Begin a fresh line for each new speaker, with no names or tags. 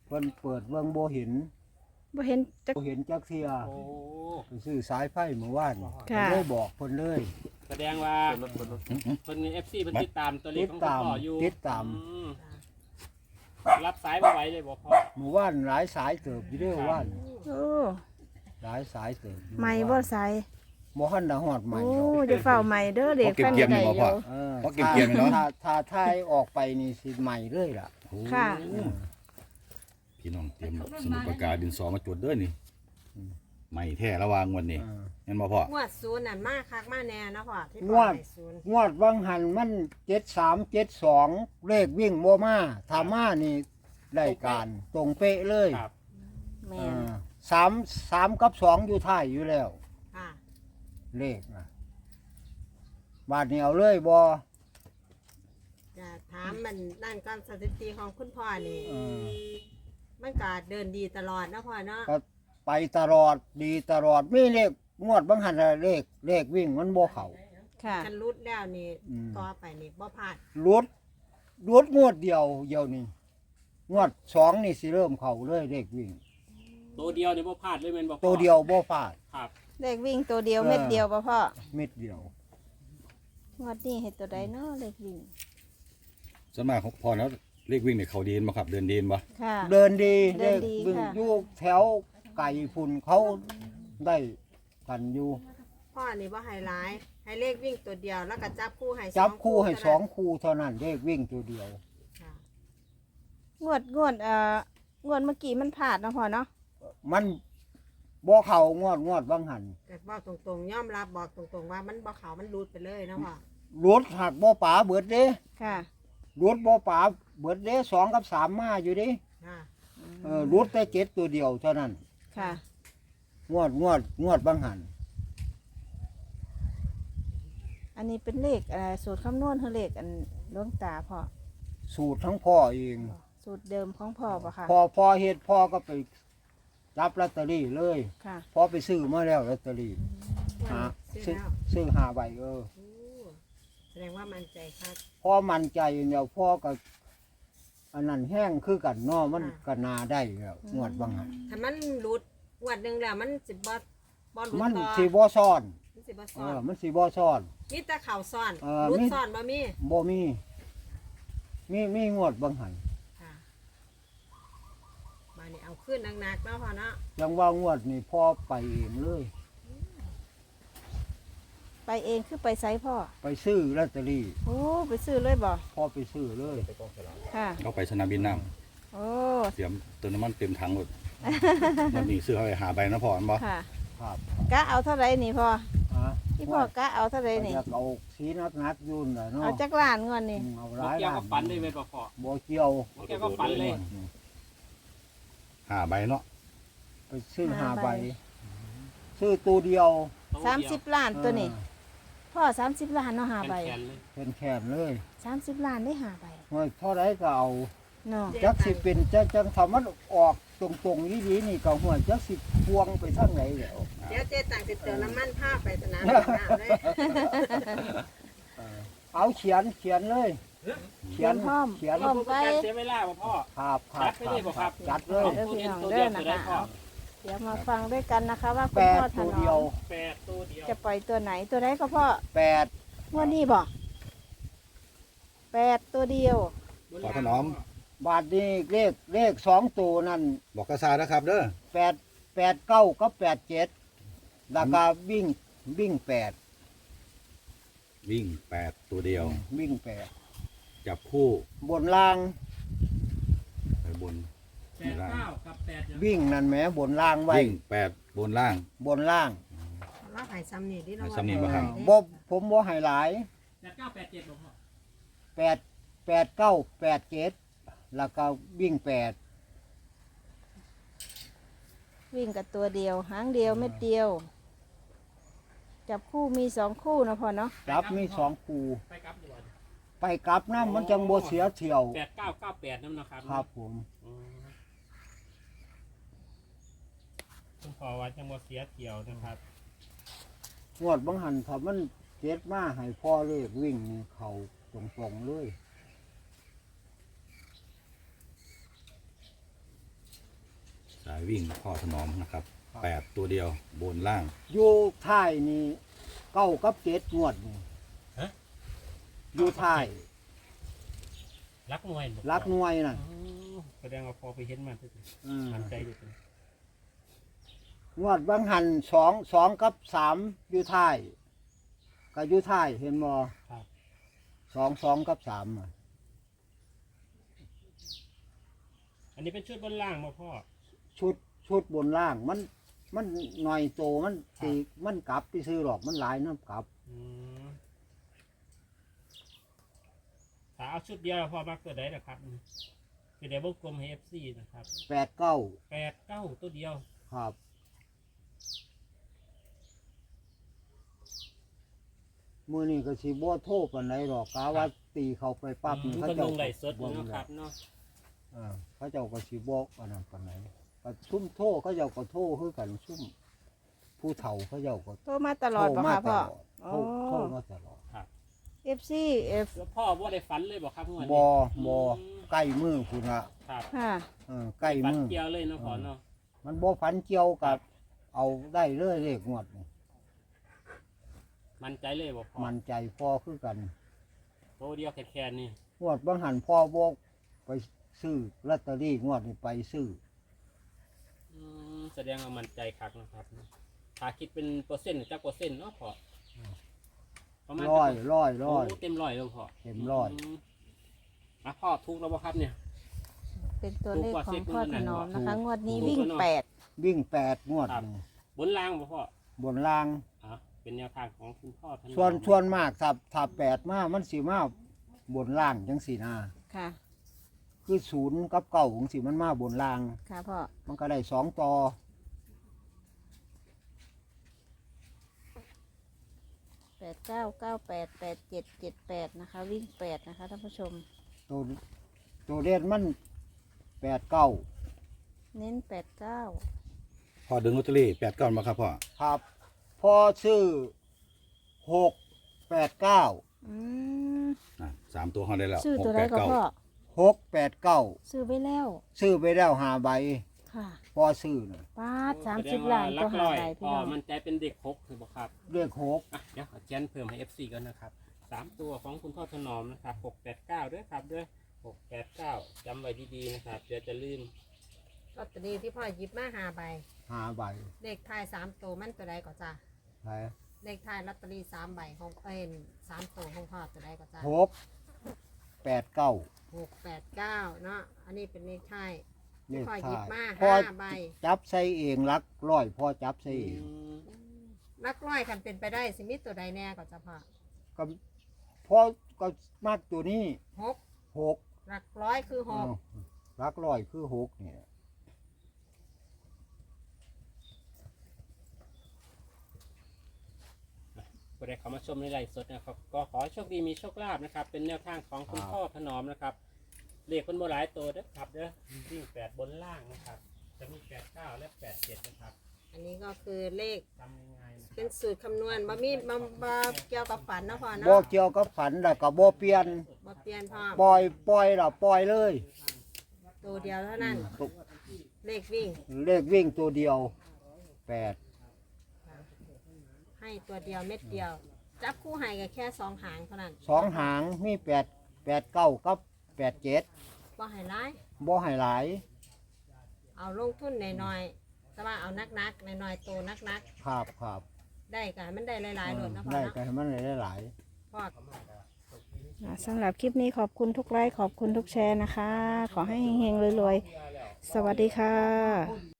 เพิ่นเปิดเบิ่งบ่เห็น
บ่เห็นจัก
บ่เห็นจักเที่ย
โอ้
ไปซื้อสายไฟเมื่อวาน
ค่ะ
เลยบอกเพิ่นเลย
แสดงว่าเพิ่นมี FC เพิ่นติดตามตัวเลขของ
ติดตาม
พ่ออยู่
ติดตาม
อืมรับสายบ่ไหวเลยบ่พ่อ
เมื่อวานหลายสายเติบอยู่เด้อว่าน
โอ้
หลายสายเติบอยู่
ใหม่บ่ใส่
บ่ทันได้ฮอดใหม่
โอ้
หรอก
จะเฝ้าใหม่เด้อเด็ก
เก็บ
ฟัน
เกียม
ได้
นี่
อ
บ่พ่อ
ยู่
เออ
เพราะเก็บๆเนาะ
ถ้าทายออกไปนี่สิใหม่เลยล่ะ
ค่ะ
พี่น้องเตรียมสมุดปากกาดินสอมาจดเด้อนี่ใหม่แท้ระวางวันนี้
เออ
เห็นบ่พ่อง
วดศูนย์นั่นมาคักมาแน่เนาะพ่อที่
ง
พ่
ว
อ
ด
ให้ศูนย์
งวดวังหันมัน7372เลขวิ่งบ่มาถ้ามานี่ได้การตรงเป๊ะเลย
ครับ
แม่น
3กับ2อยู่ท้ายอยู่แล้ว
ค่ะ
เลขนะบาทนี้เอาเลยบ่
จะถามมันนั่นก่อนสถิติของคุณพ่อนี่
เออ
มันก็เดินดีตลอดเนาะพ่อเนาะ
ก็ไปตลอดดีตลอดมีเลขงวดบางหันน่ะเลขวิ่งมันบ่เข้า
ค่ะ
คันรุดแล้วนี่
อืม
ต่อไปนี่บ่พลาด
รุดงวดเดียวนี่งวด2นี่สิเริ่มเข้าเลยเลขวิ่ง
ตัวเดียวนี่บ่พลาดเลยแม่นบ่พ่อ
ตัวเดียวบ่พลาด
ครับ
เลขวิ่งตัวเดียว
เออ
เม็ดเดียวป่ะพ่อ
เม็ดเดียว
งวดนี้เห็นตัวใดเนาะเลขวิ่ง
ส่วนมากของพ่อแล้วเลขวิ่งเนี่ยเขาดีนบ่ครับเดินดีนบ่
ค่ะ
เดินดี
เดินดี
วิ่ง
ค่ะ
อยู่แถวไก่พุ่นเขาได้กันอยู่
พ่อนี่บ่ให้หลายให้เลขวิ่งตัวเดียวแล้วก็จับคู่ให้
จับคู่ให้
เท่านั้น
2คู่เท่านั้นเลขวิ่งตัวเดียว
ค่ะ
งวดงวดเมื่อกี้มันพลาดเนาะพ่อเนาะ
มันบ่เข้างวดบางหัน
แต่บอกตรงๆยอมรับบอกตรงๆว่ามันบ่เขามันรุดไปเลยเนาะพ่อ
รถหักบ่ป๋าเบิดเด้
ค่ะ
รถบ่ป๋าเบิดเด้2กับ3มาอยู่เด้
ค่ะ
รถแต่7ตัวเดียวเท่านั้น
ค่ะ
งวดบางหัน
อันนี้เป็นเลขสูตรคำนวณคือเลขอันหลวงตาพ่อ
สูตรทั้งพ่อเอง
สูตรเดิมของพ่อป่ะค่ะ
พอเฮ็ดพ่อก็ไปรับลอตเตอรี่เลย
ค่ะ
พอไปซื้อมาแล้วลอตเตอรี่หา
ซื้อแล้ว
ซื้อ5ใบ
โอ้แสดงว่ามันใจคัก
พ่อมั่นใจเดียวพ่อก็อันนั้นแห้งคือกันเนาะมันก็นาได้แล้วงวดบางหัน
ถ้ามันรุดงวดหนึงแล้วมันสิบ่รุด
มัน
ต่อ
สิบ่ซ่อน
มันสิบ่ซ้อน
มันสิบ่ซ่อน
มีแต่เข่าซ้อน
เออ
รุด
มี
ซ้อนบ่มี
บ่มีงวดบางหัน
ค่ะมานี่เอาขึ้นหนักๆเนาะพ่อเนาะ
ยังว่างวดนี่พ่อไปเองเลย
ไปเองคือไปไซพ่อ
ไปซื้อลอตเตอรี่
โอ้ไปซื้อเลยบ่
พ่อไปซื้อเลย
ค่ะ
เขาไปสนามบินน้
โอ้
ำเตรียมเติมน้ำมันเต็มถังหมดวันนี้ซื้อเขาไปหาใบนะพ่ออันบ่
ค่ะ
ครับ
กะเอาเท่าไรนี่พ่อ
ฮะ
ที่พ่อกะเอาเท่าไรนี่
อยากเอาสีนักๆยุ่นน่ะเนาะ
เอาจักล้านเงินนี่
เอาห
บ่
ลาย
เกี่ยว
ล้า
กับฝันได้แม่นบ่พ่อ
บ่เกี่ยว
บ่เกี่ยวกับฝันเลย
หาใบเนาะ
ไปซื้อ5ใบซื้อตัวเดียว
30 ล้านตัวนี้พ่อ30 ล้านเนาะหาใบ
แขนๆเลย
เป็นแขนเลย
30 ล้านได้หาใบ
เฮ้ยเท่าไรก็เอา
เนาะ
จักสิเป็นจังทำมันออกตรงๆดีๆนี่ก็หัวจักสิพวงไปทางไหนแล้ว
เดี๋ยวเจ๊ต่างสิเติมน้ำมันผ้าไปสนามบินน้ำเลย
เอาเขียนเลย เขียน
พร้อม
เขียน
พร้อมไป
การเสียเวลาบ่พ่อ
ครับครั
จั
บ
ดไปเลยบ่ครับ
จัดเลย
เด้อพี่น้อง
ตัว
เด้
เดี
อ
ยว
นะ
จะได้
คะ
พ่อ
เดี๋ยวมาฟังด้วยกันนะคะว่าคุ
แป
ณ
ด
พ่อถ
ตัวน เดีย
อ
ว
ม
8ตัวเดียว
จะปล่อยตัวไหนตัวไหนก็พ่อ
แปด
งวดนี้บ่8ตัวเดียว
ขอถนอม
บาทนี้เลข2ตัวนั่น
บอกกระซานะครับเด้อ
8 9กับ87แล้วก็วิ่ง8
วิ่ง8ตัวเดียว
วิ่ง
จับคู่
8บนล่าง
ไปบน
89กับ8
วิ่งนั่นแหมบนล่างไว้
วิ่ง8บนล่าง
บนล่าง
เราหายซ้ำนี่ดิเรา
ให้ซ้ำนี่บ่ครับ
บ่ผมบ่ให้หลาย
89 87บ่พ่อ
8 9 87แล้วก็วิ่ง8
วิ่งกับตัวเดียวหางเดียวเม็ดเดียว จับคู่มี2คู่นะพ่อเนาะ
จับมี2คู่
ไปกลับดีกว่า
ไปกลับน้ำมันจังบ่เสียเที่ยว
8998นั่นนะครับ
ครับผม
อืมคุณพ่อว่าจังบ่เสียเที่ยวนะครับ
งวดบางหันถ้ามันเจ็ดมาให้พ่อเลขวิ่งนี่เขาตรงๆเลย
ายวิ่งพ่อถนอมนะครับ8ตัวเดียวบนล่าง
อยู่ท้ายนี่เก้ากับเจ็ดงวดนี่
ฮะ
อยู่ท้าย
รักหน่วยบ่
รักหน่วยน่ะ
อ๋อแสดงว่าพอไปเห็นมาทุก
อืม
มันใจอยู่ตรง
งวดบางหันสองกับสามอยู่ท้ายก็อยู่ท้ายเห็นบ่
ครับ
สองกับสามอะ
อันนี้เป็นชุดบนล่างมาพ่อ
ชุดบนล่างมันหน่อยโตมันตีมันกลับไปซื้อหรอกมันหลายน้ำกลับ
อืมถ้าเอาชุดเดียวพอมาเกิดได้นะครับคือเดี๋ยววงกลมให้ FC นะครับ
8-9
8-9ตัวเดียว
ครับมือนี่ก็สิบ่โทษปานใดหรอกกาว่าตีเขาไปปั๊บนี่
เขา
เขา
ล
เจ้าง
ไหลฟ์สด
บ่
เนาะ
น
ครับเนาะ
เขาเจ้าก็สิบอกอันนั้นปานใดก็ซุ่มโทษเขาเจ้าก็โทษคือกันซุ่มผู้เฒ่าเขาเจ้าก็
โทรมาตลอด
โทร
ป่ะ
มา
คะ
ต
พ่อ
ลอดโทรมาตลอด
FC F
แล้วพ่อว่าได้ฝันเลยบอกครับงวดนี้
บ่ใกล้มือพุ่นละ
ครับ
ค่ะ
ใกล้
ฝัน
มือ
เกี่ยวเลยเนาะพ่อเนาะ
มันบ่ฝันเกี่ยวกับเอาได้เลยเลขงวดนี่
มันใจเลยบอกพ่อ
มันใจพอคือกัน
โตเดียวแค่นี้
งวดบางหันพ่อบอกไปซื้อลอตเตอรี่งวดนี้ไปซื้อ
แสดงว่ามันใจคักนะครับถ้าคิดเป็นเปอร์เซ็นต์จักเปอร์เซ็นต์เนาะพ่อประมาณ
ร้อย
โอ้เต็มร้อยแล้วพ่อ
เต็มร้อย
พ่อทุกแล้วบ่ครับเนี่ย
เป็นตัวเลขของพ่อถนอมนะคะ
ถูก
งวดนี้วิ่ง
ถูก
วิ่ง8งวด
ครับ
นี่
บนล่างบ่พ่อบ
นล่าง
เป็นแนวทางของคุณพ่อท่าน
ส่วนมากถ้า8มามันสิมาบนล่างจังสี่นา
ค่ะ
คือ0กับ9จังสิมันมาบนล่าง
ค่ะพ่อ
มันก็ได้2ต่อ
89988778นะคะ วิ่ง8นะคะท่านผู้ชม
ตัวเด่นมัน8-9
เน้น89
พ่อดึงลอตเตอรี่8-9มาครับพ่อ
ครับพอซื้อ6-8-9
อืม
3ตัวเขาได้แล้ว
ซื้อตัวไหนก็พ่อ
6-8-9
ซื้อไว้แล้ว
ซื้อไปแล้ว5ใบ
ค่ะ
พอซื้อน่ะ
ป้าด30ล้าน
ลั
ก็
ก
หา
ร้อย
ได้พี่
พ่อ
น้อง
มันใจเป็นเด็กหกคือบ่ครับ
เรียก6
เดี๋ยวขอเจนเพิ่มให้ FC ก่อนนะครับ3ตัวของคุณพ่อถนอมนะครับ689ด้วยครับด้วย689จำไว้ดีๆนะครับเดี๋ยวจะลืม
ลอตเตอรี่ที่พ่อหยิบมา5 ใบ
5ใบ
เลขท้าย3ตัวมันตัวใดก็จ้า
ไป
เลขท้ายลอตเตอรี่3 ใบของ3ตัวของพ่อตัวใดก็จ้า
6-8-9
689เนาะอันนี้เป็นเลขท้าย
เลข
พ่อหยิบ
ท้าย
มา
พอ
5 ใบ
จับใส่เองลักร้อยพอจับใส่เอง
ลักร้อยคันเป็นไปได้สิมีตัวใดแน่ก็จะพ่อ
ก็พอก็มากตัวนี้
6
6
หลักร้อยคือ
ลักร้อยคือ6เนี่ย
ผู้ใดเข้ามาชมในไลฟ์สดนะครับก็ขอให้โชคดีมีโชคลาภนะครับ เป็นแนวทางของคุณพ่อถนอมนะครับเลขคนโบราณตัวเด้อครับเด้อวิ่ง8บนล่างนะครับ จะมี89และ87นะครับ
6อันนี้ก็คือเลข
จำง่ายๆนะค
เป็
รั
นสูตรคำนวณบ่มีบ่เกี่ยวกับฝันนะพ่อ
บ่
เนาะ
เกี่ยวกับฝันแล้วก็บ่เปลี่ยน
บ่เปลี่ยนพ่อ
ปล่อยแล้วปล่อยเลย
ตัวเดียวเท่านั้น
ตุก
เลขวิ่ง
เลขวิ่งตัวเดียว8
ให้ตัวเดียวเม็ดเดียว จับคู่ให้ก็แค่2 หางเท่านั้น
2 หางมี8-9กับ87
บ่ให้ร้าย
บ่ให้หลาย
เอาลงทุนหน่อยๆแต่ว่าเอานักๆหน่อยๆโตนัก
ครับ
ๆได้ก็ให้มันได้หลายๆโดดนะพ่อ
ได้
เนาะ
ก็ให้มันได้หลาย
พ่อ
สำหรับคลิปนี้ขอบคุณทุกไลค์ขอบคุณทุกแชร์นะคะ ขอให้เฮงๆรวยๆ สวัสดีค่ะ